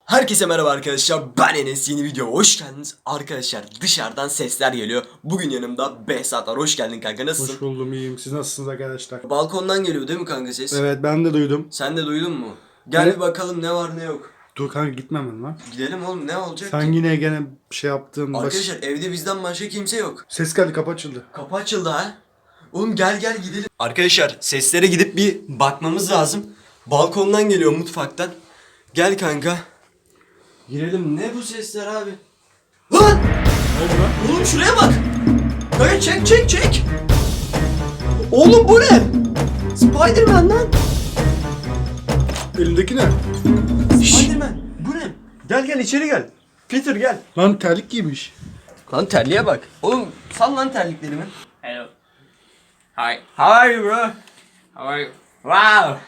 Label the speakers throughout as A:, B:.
A: Herkese merhaba arkadaşlar, ben Enes, yeni videoya hoş geldiniz. Arkadaşlar dışarıdan sesler geliyor. Bugün yanımda Behzat var, hoş geldin kanka, nasılsın?
B: Hoş buldum, iyiyim. Siz nasılsınız arkadaşlar?
A: Balkondan geliyor değil mi kanka ses?
B: Evet, ben de duydum.
A: Sen de duydun mu? Gel
B: Evet.
A: bir bakalım ne var ne yok.
B: Dur kanka, gitmemem lan.
A: Gidelim oğlum, ne olacak
B: Sen
A: ki?
B: yine gene bir şey yaptın.
A: Arkadaşlar evde bizden başka kimse yok.
B: Ses geldi, kapı açıldı.
A: Kapı açıldı ha. Oğlum gel gidelim. Arkadaşlar seslere gidip bir bakmamız lazım. Balkondan geliyor, mutfaktan. Gel kanka. Girelim. Ne bu sesler abi? Lan!
B: Ne oldu lan?
A: Oğlum şuraya bak. Kanka çek. Oğlum bu ne? Spiderman lan.
B: Elindeki ne?
A: Spiderman. Bu ne? Gel içeri gel. Peter gel.
B: Lan terlik giymiş.
A: Lan terliğe bak. Oğlum sal lan terliklerimi.
C: Hello. Hi.
A: How are you bro?
C: How are you?
A: Wow.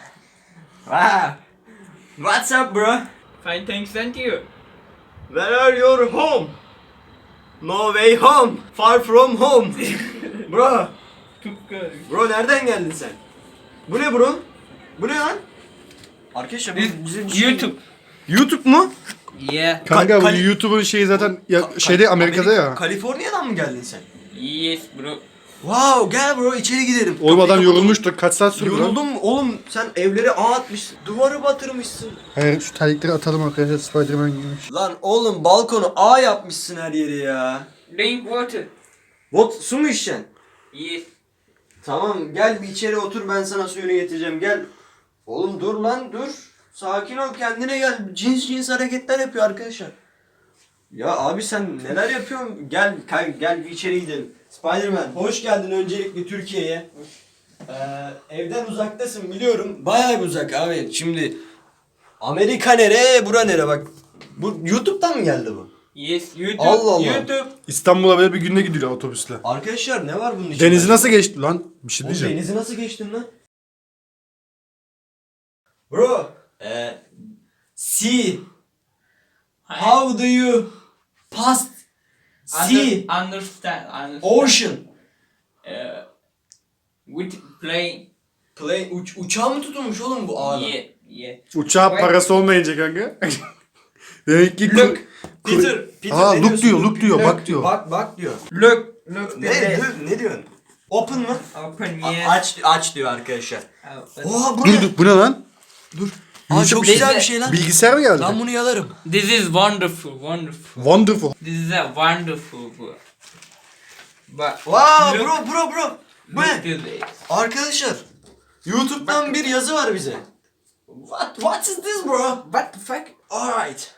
A: What's up bro?
C: Fine, thanks, and you?
A: Where are your home? No way home. Far from home. Bro. Bro nereden geldin sen? Bu ne bro? Bu ne lan? Arkadaşlar bu
C: YouTube.
A: YouTube mu?
C: Yeah.
B: Kanka bu
A: Kali-
B: YouTube'un şeyi zaten şeyde Amerika'da ya.
A: Kaliforniya'dan mı geldin sen?
C: Yes, bro.
A: Wow, gel bro içeri gidelim.
B: Oğlum adam
A: Kapıyı
B: yorulmuştur. Kaç saat sürdü
A: kapat.
B: lan?
A: Yoruldum mu? Oğlum sen evleri ağ atmışsın. Duvarı batırmışsın.
B: Hayır, şu terlikleri atalım arkadaşlar. Spiderman giymiş.
A: Lan oğlum balkonu ağ yapmışsın her yeri ya.
C: Drink water.
A: Su mu içeceksin?
C: Yes.
A: Tamam gel bir içeri otur, ben sana suyunu getireceğim, gel. Oğlum dur lan dur. Sakin ol, kendine gel. Cins hareketler yapıyor arkadaşlar. Ya abi sen neler yapıyorsun? Gel bir içeri gidelim. Spiderman hoş geldin öncelikle Türkiye'ye. Evden uzaktasın biliyorum. Bayağı bir uzak abi. Şimdi Amerika nere, bura nere bak. Bu YouTube'dan mı geldi bu?
C: Yes, YouTube.
A: Allah Allah.
C: YouTube.
B: İstanbul'a böyle bir günde gidiliyor otobüsle.
A: Arkadaşlar ne var bunun içinde?
B: Denizi nasıl geçti lan? Bir şey
A: Oğlum
B: diyeceğim.
A: denizi nasıl geçtin lan? Bro, sea. How do you pass sea?
C: Understand.
A: Ocean.
C: With plane.
A: Plane uçağı mı tutulmuş oğlum bu ağda?
C: Yeah.
B: Uçağa parası olmayınca kanka. Demek ki
C: Look.
A: Peter
B: Aa,
A: ne
B: look
A: diyorsun?
B: diyor, look diyor, bak diyor.
A: Bak diyor.
C: Look.
A: Ne diyorsun? Open mı?
C: Open, yes.
A: Aç diyor arkadaşlar.
C: Open.
A: Oha bu
B: Dur
A: ne?
B: dur, bu ne lan?
A: Aa, çok
C: şey-
A: güzel bir şey lan.
B: Bilgisayar mı geldi?
A: Ben bunu yalarım.
C: This is wonderful.
B: Wonderful.
C: This is a wonderful book. But
A: Wow
C: look,
A: bro. Bu ne?
C: look to this.
A: Arkadaşlar YouTube'dan bir yazı var bize. What is this bro?
C: What the fuck?
A: Alright.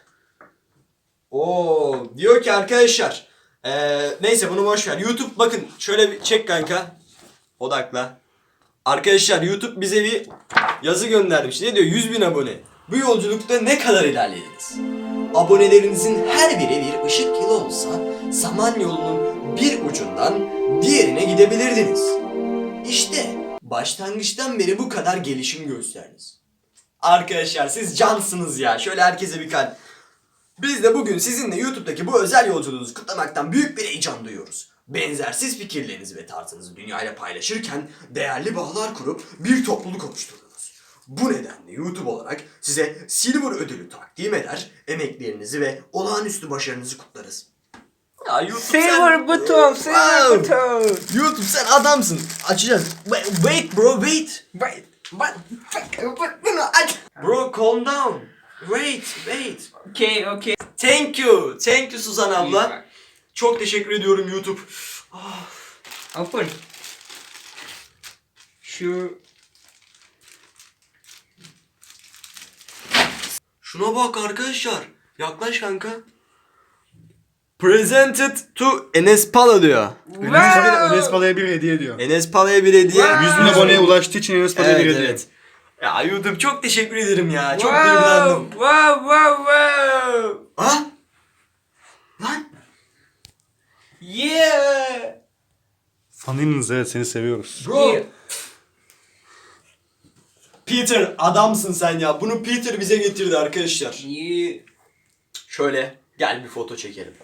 A: Oo, diyor ki arkadaşlar. Neyse bunu boş ver. YouTube bakın şöyle bir çek kanka. Odakla. Arkadaşlar YouTube bize bir yazı göndermiş. Ne diyor? 100.000 abone. Bu yolculukta ne kadar ilerlediniz? Abonelerinizin her biri bir ışık yılı olsa Samanyolu'nun bir ucundan diğerine gidebilirdiniz. İşte başlangıçtan beri bu kadar gelişim gösterdiniz. Arkadaşlar siz cansınız ya. Şöyle herkese bir kalp. Biz de bugün sizinle YouTube'daki bu özel yolculuğunuzu kutlamaktan büyük bir heyecan duyuyoruz. Benzersiz fikirlerinizi ve tarzınızı dünyayla paylaşırken değerli bağlar kurup bir topluluk oluşturdunuz. Bu nedenle YouTube olarak size Silver ödülü takdim eder, emeklerinizi ve olağanüstü başarınızı kutlarız. Ya YouTube
C: Silver button.
A: YouTube sen adamsın. Açacağız. Wait bro, wait.
C: But
A: Bro calm down. Wait.
C: okay.
A: Thank you Suzan abla. Çok teşekkür ediyorum YouTube.
C: Open. Sure.
A: Şuna bak arkadaşlar. Yaklaş kanka. Presented to Enes Pala diyor.
B: Enes Pala'ya bir hediye diyor.
A: Enes Pala'ya bir hediye.
B: 100.000 aboneye ulaştığı için Enes Pala'ya bir
A: Evet,
B: hediye.
A: evet. Ya YouTube çok teşekkür ederim ya. Çok
C: Wow,
A: duygulandım.
C: wow.
A: Ha? Lan.
C: Yeah.
B: Fanınız, evet, seni seviyoruz.
A: Bro.
C: Yeah.
A: Peter adamsın sen ya. Bunu Peter bize getirdi arkadaşlar.
C: Yeah.
A: Şöyle gel bir foto çekelim.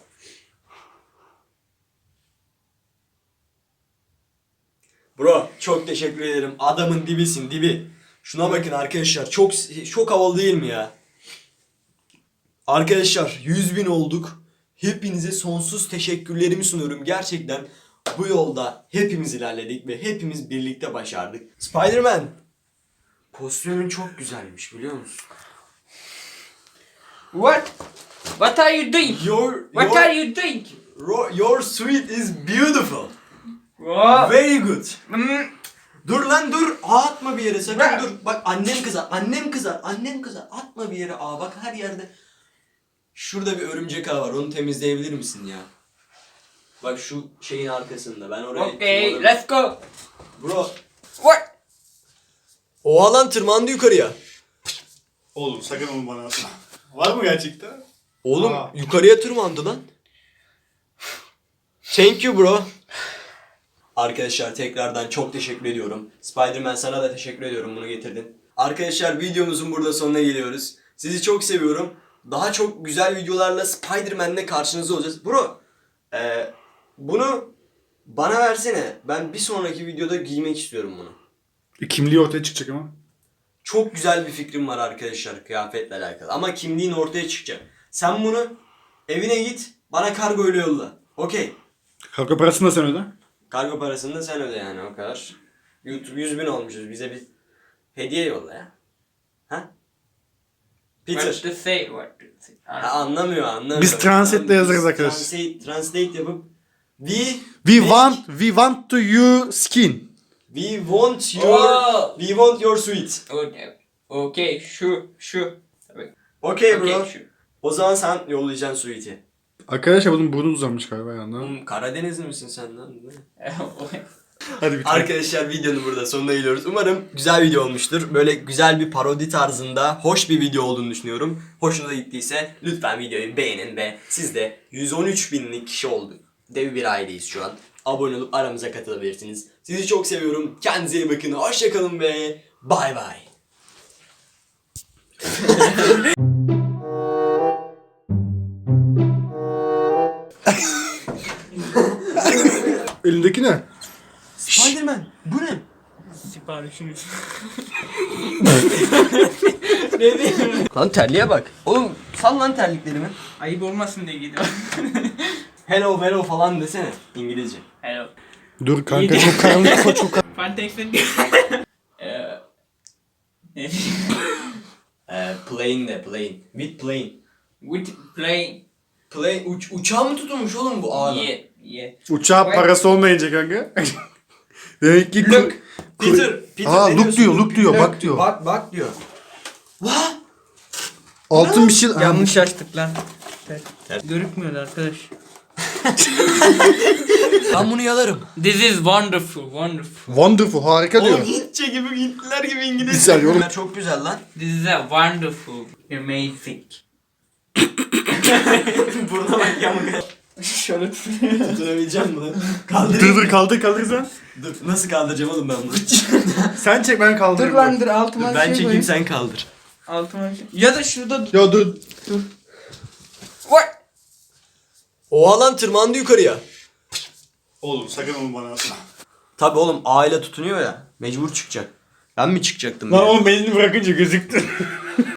A: Bro çok teşekkür ederim. Adamın dibisin dibi. Şuna bakın arkadaşlar. Çok havalı değil mi ya? Arkadaşlar 100.000 olduk. Hepinize sonsuz teşekkürlerimi sunuyorum. Gerçekten bu yolda hepimiz ilerledik ve hepimiz birlikte başardık. Spider-Man, kostümün çok güzelmiş biliyor musun?
C: What? What are you doing? What are you doing?
A: Your suit is beautiful.
C: Wow.
A: Very good.
C: Hmm.
A: Dur lan dur. Atma bir yere sakın
C: Bırak.
A: dur. Bak annem kızar. Annem kızar. Annem kızar. Atma bir yere. Bak her yerde. Şurada bir örümcek ağı var. Onu temizleyebilir misin ya? Bak şu şeyin arkasında. Ben oraya
C: Okay,
A: tırmanırım.
C: let's go.
A: Bro.
C: What?
A: Oha lan tırmandı yukarıya.
B: Oğlum sakın onu bana atma. Var mı gerçekten?
A: Oğlum
B: Aa.
A: yukarıya tırmandı lan. Thank you bro. Arkadaşlar tekrardan çok teşekkür ediyorum. Spider-Man sana da teşekkür ediyorum bunu getirdin. Arkadaşlar videomuzun burada sonuna geliyoruz. Sizi çok seviyorum. Daha çok güzel videolarla Spider-Man'le karşınızda olacağız. Bro bunu bana versene. Ben bir sonraki videoda giymek istiyorum bunu.
B: Kimliği ortaya çıkacak ama.
A: Çok güzel bir fikrim var arkadaşlar kıyafetle alakalı. Ama kimliğin ortaya çıkacak. Sen bunu evine git bana kargo ile yolla. Okey.
B: Kargo parasını da sen öde.
A: Kargo parasını da sen öde yani o kadar. YouTube 100.000 olmuşuz. Bize bir hediye yolla ya. Ha?
C: What
A: Peter.
C: to say? What to say?
A: Ha, anlamıyor.
B: Biz translate'le yazarız arkadaşlar.
A: Translate yapıp
B: We want to you skin.
A: we want
C: Oh.
A: your suite.
C: Okay, şu. Tabii.
A: Okay bro.
C: Okay, şu.
A: O zaman sen yollayacaksın suite'i.
B: Arkadaşlar bunun burnu uzamış galiba yandan.
A: Oğlum Karadenizli misin sen lan?
B: Hadi bitir.
A: Arkadaşlar videonun burada sonuna geliyoruz. Umarım güzel video olmuştur. Böyle güzel bir parodi tarzında hoş bir video olduğunu düşünüyorum. Hoşunuza gittiyse lütfen videoyu beğenin ve siz de 113.000'lik kişi olduk. Dev bir aileyiz şu an. Abone olup aramıza katılabilirsiniz. Sizi çok seviyorum. Kendinize iyi bakın. Hoşçakalın ve bay bay.
B: Elindeki ne?
A: Spider-Man bu ne?
C: Siparişiniz.
A: Lan terliğe bak. Oğlum sal lan terliklerimi.
C: Ayıp olmasın diye giydim.
A: Hello falan desene İngilizce.
C: Hello.
B: Dur kanka
C: İyi.
B: çok karanlık çok karanlık.
C: Fantex'in... Ne
A: Plane. With plane.
C: With plane.
A: Plane uçağı mı tutulmuş oğlum bu ağda?
C: Yeah.
B: Uçağa parası olmayınca kanka. Demek ki
C: Look.
A: Peter
B: Aa,
A: ne
B: look
A: diyorsun?
B: diyor, look diyor, bak diyor.
A: Bak diyor. Vah!
B: altın bir şey.
C: Yanlış açtık lan. Görükmüyor arkadaş.
A: Ben bunu yalarım.
C: This is wonderful.
B: Wonderful harika diyor.
A: Oğlum Hintçe gibi Hintliler gibi
B: Bir
A: İngilizce.
B: saniye oğlum.
A: Çok güzel lan.
C: This is a wonderful. Amazing.
A: Buruna bak yamuk.
C: Şöyle
A: Tutunabileceğim bunu. Kaldırayım.
B: Dur kaldır sen.
A: Dur nasıl kaldıracağım oğlum ben bunu?
B: Sen çek ben kaldırırım.
C: Dur lan dur altıma
A: Ben
C: şey
A: çekeyim
C: koyayım.
A: sen kaldır.
C: Altıma şey. Ya da şurada
B: Ya dur.
C: What?
A: Oha lan tırmandı yukarıya.
B: Oğlum sakın onu bana atma.
A: Tabi oğlum aile tutunuyor ya. Mecbur çıkacak. Ben mi çıkacaktım?
B: Lan
A: ya?
B: oğlum elini bırakınca gözüktü.